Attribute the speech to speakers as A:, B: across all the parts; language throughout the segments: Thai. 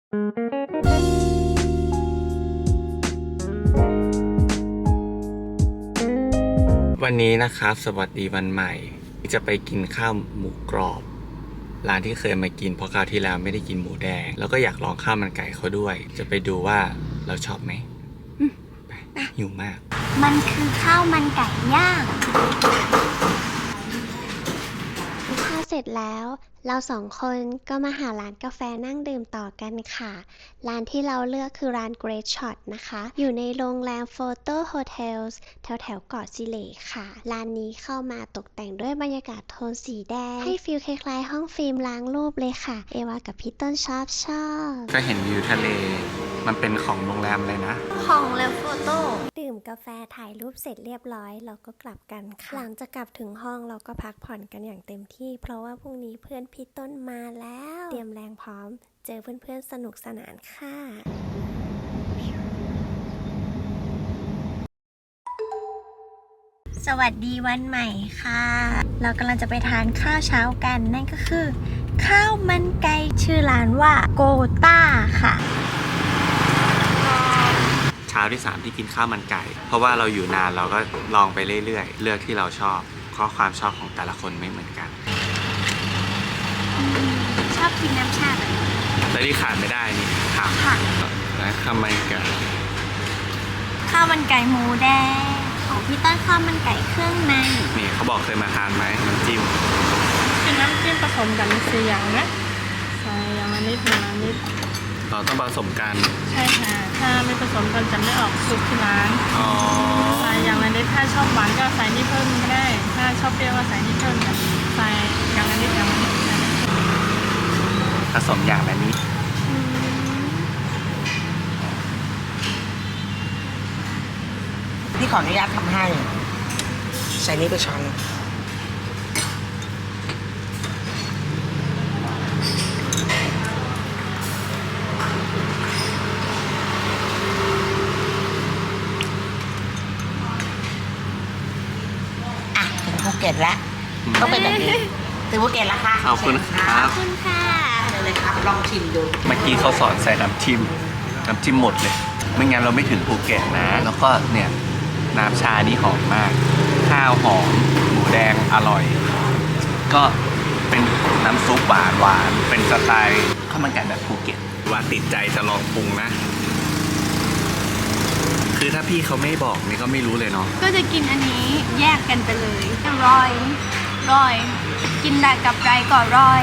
A: วันนี้นะครับสวัสดีวันใหม่จะไปกินข้าวหมูกรอบร้านที่เคยมากินเพราะคราวที่แล้วไม่ได้กินหมูแดงแล้วก็อยากลองข้าวมันไก่เขาด้วยจะไปดูว่าเราชอบไหมไปหิวมาก
B: มันคือข้าวมันไก่ย่างข้าวเสร็จแล้วเราสองคนก็มาหาร้านกาแฟนั่งดื่มต่อกันค่ะร้านที่เราเลือกคือร้าน Great Shot นะคะอยู่ในโรงแรม Photo Hotels แถวเกาะสิเลค่ะร้านนี้เข้ามาตกแต่งด้วยบรรยากาศโทนสีแดงให้ฟีลคล้ายๆห้องฟิล์มล้างรูปเลยค่ะเอวากับพี่ต้นชอบ
A: ก็เห็นวิวทะเลมันเป็นของโรงแรมเลยนะ
B: ของเลฟโฟโต้ดื่มกาแฟถ่ายรูปเสร็จเรียบร้อยเราก็กลับกันค่ะหลังจากกลับถึงห้องเราก็พักผ่อนกันอย่างเต็มที่เพราะว่าพรุ่งนี้เพื่อนพี่ต้นมาแล้วเตรียมแรงพร้อมเจอเพื่อนๆสนุกสนานค่ะสวัสดีวันใหม่ค่ะเรากำลังจะไปทานข้าวเช้ากันนั่นก็คือข้าวมันไก่ชื่อร้านว่าโกต้าค่ะ
A: เช้าที่3ที่กินข้าวมันไก่เพราะว่าเราอยู่นานเราก็ลองไปเรื่อยๆเลือกที่เราชอบเพราะความชอบของแต่ละคนไม่เหมือนกัน
B: ชอบกินน้ำชาแบบ
A: แต่ที่ขาดไม่ได้นี่ครับและข้าวมันไก่
B: หมูแดงของพี่ต้นข้าวมันไก่เครื่องใน
A: นี่เขาบอกเคยมาทานไหมน้ำจิ้ม
C: เป็นน้ำจิ้มผสมกัน4อย่างนะใส่อย่างละนิดอย่างละนิด
A: เราต้องผสมกัน
C: ใช่ค่ะถ้าไม่ผสมกันจะไม่ออกซุปที่ร้านใส่อย่างละนิดถ้าชอบหวานก็ใส่นี่เพิ่มก็ได้ถ้าชอบเปรี้ยวก็ใส่นี่เพิ่มใส่อย่างละนิดอย่างละนิด
A: ผสมอย่างละนิด
D: พี่ขออนุญาตทำให้ใส่นี้ไปช้อนถึงภูเก็ตแล้วต้องเป็นแบบนี้ถึงภูเก็ตแล้วค่ะ
A: ขอบคุณครับ
B: ขอบคุณค่ะ
D: เลยครับลองชิมดู
A: เมื่อกี้เขาสอนใส่น้ำจิ้มหมดเลยไม่งั้นเราไม่ถึงภูเก็ตนะแล้วก็เนี่ยน้ำชานี่หอมมากข้าวหอมหมูแดงอร่อยก็เป็นน้ำซุปหวานเป็นสไตล์ข้าวมันไก่แบบภูเก็ตว่าติดใจจะลองปรุงนะคือถ้าพี่เขาไม่บอกนี่ก็ไม่รู้เลยเนาะ
B: ก็จะกินอันนี้แยกกันไปเลยรอยกินได้กับไรก็รอย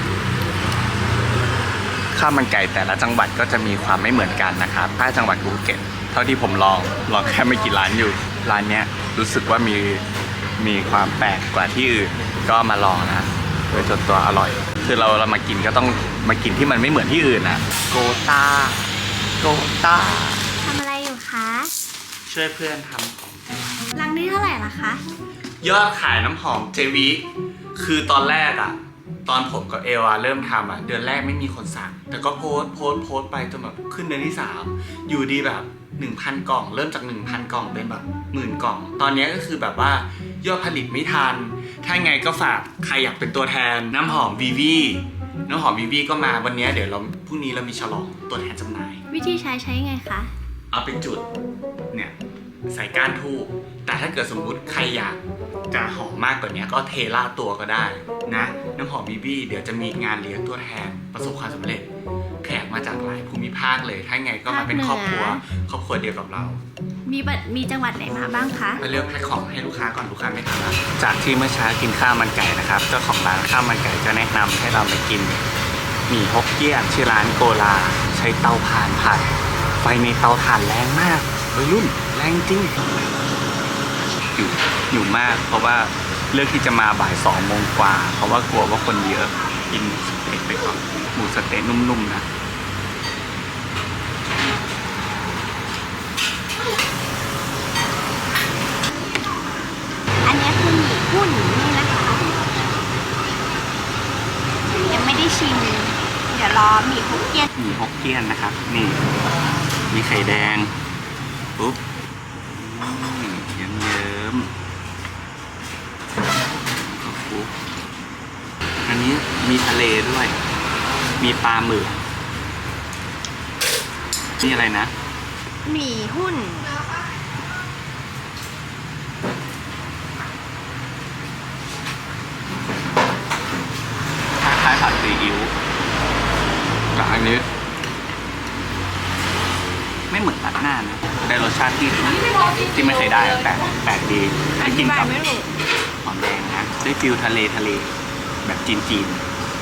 A: ข้าวมันไก่แต่ละจังหวัดก็จะมีความไม่เหมือนกันนะครับถ้าจังหวัดภูเก็ตเท่าที่ผมลองแค่ไม่กี่ร้านอยู่ร้านเนี้ยรู้สึกว่ามีความแปลกกว่าที่อื่นก็มาลองนะโดยส่วนตัวอร่อยคือเรามากินก็ต้องมากินที่มันไม่เหมือนที่อื่นนะโกต้า
B: ทำอะไรอยู่คะ
A: ช่วยเพื่อนทำของ
B: รังนี้เท่าไหร่ล่ะคะ
A: ยอดขายน้ำหอมเจวิคือตอนแรกอะตอนผมกับเอวาเริ่มทำอะเดือนแรกไม่มีคนสั่งแต่ก็โพสต์ไปจนแบบขึ้นเดือนที่3อยู่ดีแบบ 1,000 กล่องเริ่มจาก 1,000 กล่องเป็นแบบ10,000 กล่องตอนนี้ก็คือแบบว่ายอดผลิตไม่ทันถ้าไงก็ฝากใครอยากเป็นตัวแทนน้ำหอมวีวีก็มาวันนี้เดี๋ยวพรุ่งนี้เรามีฉลองตัวแทนจำหน่าย
B: วิธีใช้ไงคะ
A: เอาเป็นจุดเนี่ยใส่ก้านทูบแต่ถ้าเกิดสมมุติใครอยากจะหอมมากกว่านี้ก็เทล่าตัวก็ได้นะน้ำหอมบีบี้เดี๋ยวจะมีงานเลี้ยงตัวแทนประสบความสำเร็จแขกมาจากหลายภูมิภาคเลยถ้าไงก็มาเป็นครอบครัวเดียวกับเรา
B: มีจังหวัดไหนมาบ้างคะ
A: มาเลือกแพ็คของให้ลูกค้าก่อนลูกค้าไม่ทันแล้วจากที่เมื่อเช้ากินข้าวมันไก่นะครับเจ้าของร้านข้าวมันไก่ก็แนะนำให้เราไปกินหมี่ฮกเกี้ยนชื่อร้านโกลาใช้เตาถ่านผัดไฟในเตาถ่านแรงมากวัยรุ่นแรงจริงอยู่มากเพราะว่าเลือกที่จะมาบ่าย2 โมงกว่าเพราะว่ากลัวว่าคนเยอะกินสเต็กไปก่อนหมูสเต็กนุ่มๆนะ
B: อันนี้คือหมี่หุ้นนี่นะคะยังไม่ได้ชิมเดี๋ยวรอหมี่ฮกเกี้ยน
A: นะครับนี่มีไข่แดงปุ๊บเยิ้มอันนี้มีทะเลด้วยมีปลาหมึกนี่อะไรนะ
C: หมี่หุ้น
A: คล้ายๆผัดซีอิ๊วแต่อันนี้ ไม่เหมือนผัดหน้านะได้รสชาติที่ไม่เคยได้อะแปลกดี
C: อ
A: ได้
C: ธิ
A: กิน
C: บาย
A: กับ
C: ไม่ถูก
A: หอมแดงนะได้ฟิลทะเลแบบจีน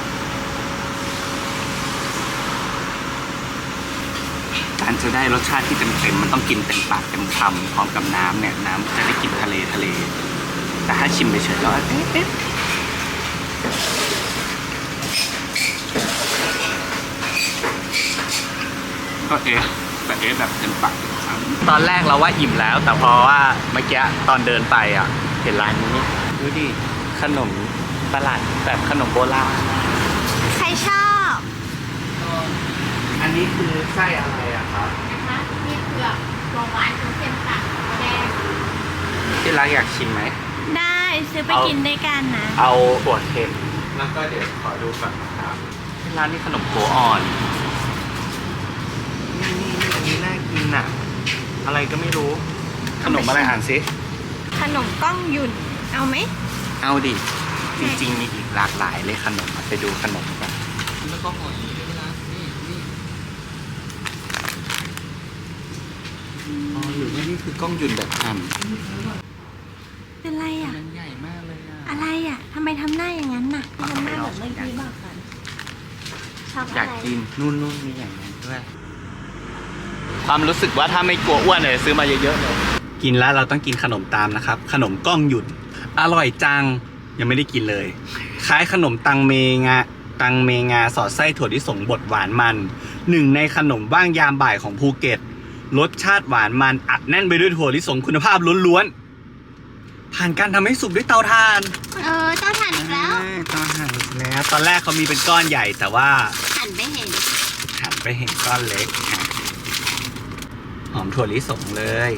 A: การจะได้รสชาติที่เต็มๆมันต้องกินเต็มปากเต็มคำพร้อมกับน้ำเนี่ยน้ำจะได้กลิ่นทะเลแต่ถ้าชิมไปเฉยๆแล้วก็แบบเต็มปากเต็มคำตอนแรกเราว่าอิ่มแล้วแต่พอว่าเมื่อกี้ตอนเดินไปอ่ะเห็นร้านนี้ดูดิขนมตลาดแบบขนมโบราณ
B: ใครชอบ
A: อันนี้คือไส้อะไรอะครับ
B: นะคะมีเผือกถั่วหวานเค็มตัดแดง
A: ที่รักอยากชิมไหม
B: ได้ซื้อไปกินด้วยกันนะ
A: เอาถั่วเค็มแล้วก็เดี๋ยวขอดูก่อนนะครับที่ร้านนี้ขนมโกอ่อนนี่อันนี้น่ากินอะอะไรก็ไม่รู้ ขนมอะไรอ่านสิ
B: ขนมก้องหยุ่น เอาไหม
A: เอาดิ จริงๆมีอีกหลากหลายเลยขนมอะไปดูขนมกันแล้วก็ห่อนี้ด้วยนะนี่อ๋อหรือว่านี่คือกล้องหยุ่นแบบหั่น
B: เป็นไรอ่ะ
A: มันใหญ่มากเลยอะ
B: อะไรอ่ะทำไมทำหน้าอย่างนั้นน่ะทำหน้าแบบเมื่อกี้บอกกันชอบ
A: อยา
B: อะ
A: ก
B: ไร
A: กินนู่นมีอย่างนั้นด้วย ความรู้สึกว่าถ้าไม่กลัวอ้วนเลยซื้อมาเยอะๆเลยกินแล้วเราต้องกินขนมตามนะครับ ขนมก้องหยุ่นอร่อยจังยังไม่ได้กินเลย คล้ายขนมตังเมงาสอดไส้ถั่วลิสงบดหวานมันหนึ่งในขนมว่างยามบ่ายของภูเก็ตรสชาติหวานมันอัดแน่นไปด้วยถั่วลิสงคุณภาพล้วนๆผ่านการทำให้สุกด้วยเตาถ่าน
B: เจ้าถ่านอีกแล้ว
A: เตาถ่านอีกแล้วตอนแรกเขามีเป็นก้อนใหญ่แต่ว่า
B: หันไปเห็น
A: หันไปเห็นก้อนเล็กอ่ะหอมถั่วลิสงเลย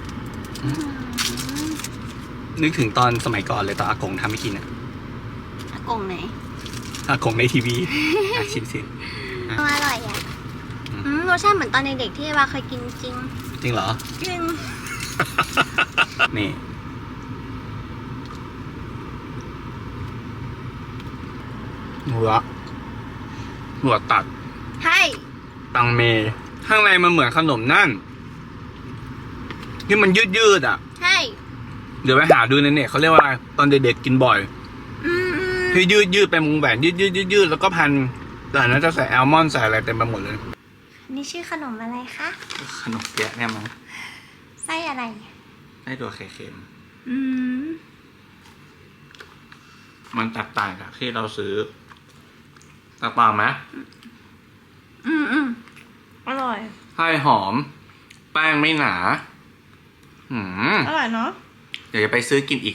A: นึกถึงตอนสมัยก่อนเลยตอนอากงทำให้กินอ่ะ
B: อากงไหน
A: อากงในทีวีอ่ะชิมสิ
B: อร่อยอ่ะรสชาติเหมือนตอนเด็กๆที่ว่าเคยกินจริง
A: จริงเหรอ
B: จริง
A: นี่หัวตัด
B: ใช่
A: ตังเมข้างในมันเหมือนขนมนั่นที่มันยืดๆอ่ะ
B: ใช่
A: เดี๋ยวไปหาดูในเน็ตเขาเรียกว่าอะไรตอนเด็กๆกินบ่อย
B: อืม
A: ที่ยืดเป็นวงแหวนยืดแล้วก็พันแต่อันนั้นจะใส่แอลมอนด์ใส่อะไรเต็มไปหมดเลย
B: นี่ชื่อขนมอะไรคะ
A: ขนมเปี๊ยะเนี่ยมั้ง
B: ไส้อะไร
A: ได้ตัวไข่เค็ม
B: อืม
A: มันแตกต่างจากที่เราซื้อแตกต่างไหม
C: อร่อย
A: ไส้หอม แป้งไม่หนา
C: อร่อยเนาะ
A: เดี๋ยวจะไปซื้อกินอีก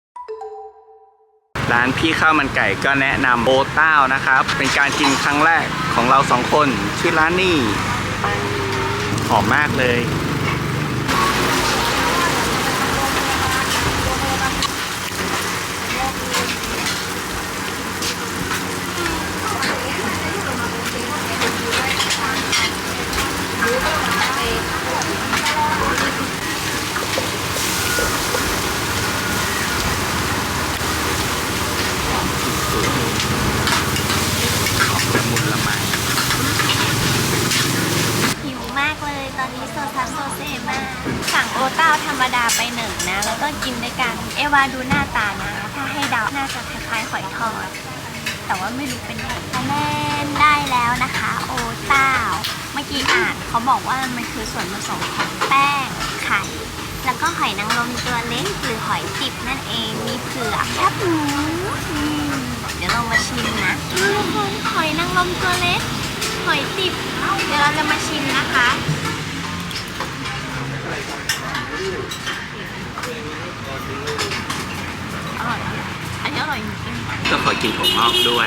A: ร้านพี่ข้าวมันไก่ก็แนะนำโอเต้านะครับ เป็นการกินครั้งแรกของเราสองคน ชื่อร้านนี่หอมมากเลย ละมุนละไม
B: หิวมากเลยตอนนี้โซซัสโซเซมากสั่งโอเต้าธรรมดาไปหนึ่งนะ แล้วก็กินด้วยกัน เอวาดูหน้าตานะ ถ้าให้เดาน่าจะคล้ายๆหอยทอด แต่ว่าไม่รู้เป็นไงคะแนนได้แล้วนะคะ โอเต้า เมื่อกี้อ่านเขาบอกว่ามันคือส่วนผสมของแป้ง ไข่ แล้วก็หอยนางรมตัวเล็กหรือหอยติบนั่นเอง มีเผือกแคบหมูเดี๋ยวเรามาชิมนะทุกคนหอยนางรมตัวเล็ก หอยติบ เดี๋ยวเราจะมาชิมนะคะ อร่อยอ่ะอันนี้อร่อยจริง
A: ก็ขอกินถั่วงอกด้วย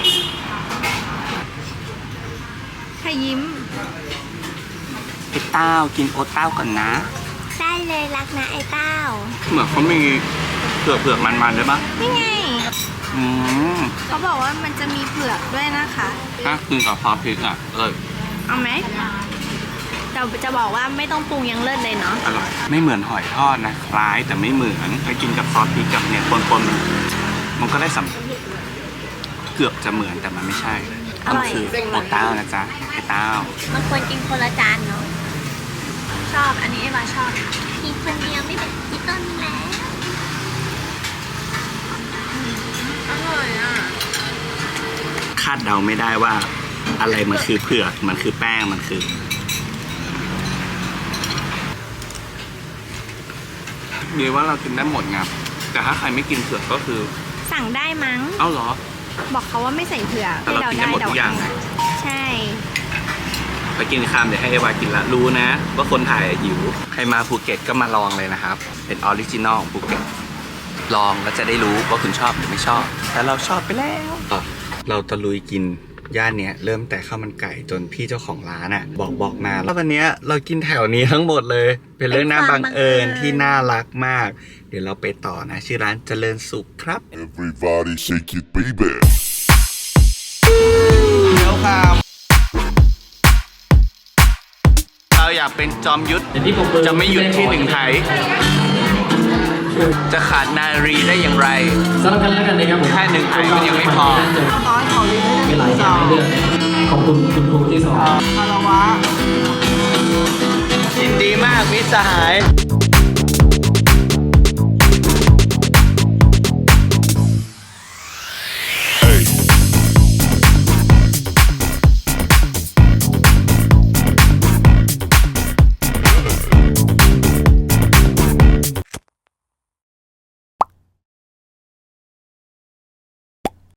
B: ๆค่ะยิ้ม
A: พี่เต้ากินโอเต้าก่อนนะ
B: ได้เลยรักนะไอ้เต้า
A: เหมือนเขามีเผือกมันด้วยปะ
B: นี่ไง
A: อืม
B: เขาบอกว่ามันจะมีเผือกด้วยนะคะ
A: ถ้ากินกับพอพริกอ่ะ
B: เอาไหม
E: แต่จะบอกว่าไม่ต้องปรุงยังเลิศเลยเนาะ
A: อร่อยไม่เหมือนหอยทอดนะคล้ายแต่ไม่เหมือนไปกินกับซอสพริกกับเนี่ยปนๆมันก็ได้เกือบจะเหมือนแต่มันไม่ใช่มันคือโอเต้านะจ๊ะไอเต้า
E: มันควรกินคนละจานเนาะชอบอันนี้เอวาชอบกินคนเดียวไม่เป็นกินต้นแล้วอร่อยอ่ะ
A: คาดเดาไม่ได้ว่าอะไรมันคือเผือกมันคือแป้งมันคือมีว่าเรากินได้หมดไงแต่ถ้าใครไม่กินเผือกก็คือ
E: สั่งได้มั้ง
A: เอ้าเหรอ
E: บอกเขาว่าไม่ใส่เผือก
A: แต่เรากินได้หมดทุกอย่าง
E: ใช่
A: ไปกินข้ามเดี๋ยวให้เอวากินละรู้นะ ว่าคนถ่ายหิวใครมาภูเก็ตก็มาลองเลยนะครับเป็นออริจินอลของภูเก็ตลองแล้วจะได้รู้ว่าคุณชอบหรือไม่ชอบ แต่เราชอบไปแล้วเราตะลุยกินย่านเนี้ยเริ่มแต่ข้าวมันไก่จนพี่เจ้าของร้านอ่ะบอกมาแล้ววันเนี้ยเรากินแถวนี้ทั้งหมดเลย เป็นเรื่องน่าบังเอิญที่น่ารักมาก เดี๋ยวเราไปต่อนะชื่อร้านเจริญสุขครับ
F: Everybody shake it, baby.
A: แล้วครับเราอยากเป็นจอมยุทธจะไม่หยุดที่หนึ่งไทย จะขาดนารีได้อย่างไร
G: สำหรับกันแล้วกันนะครับผม
A: แค่หนึ่งไทยมันยังไม่พอ
C: น้อยของลิ้น
G: เป็นหลายอย่างให้เลือกขอบคุณคุณครูที่สอน
C: คารวะ
A: ยินดีมากมิตรสหาย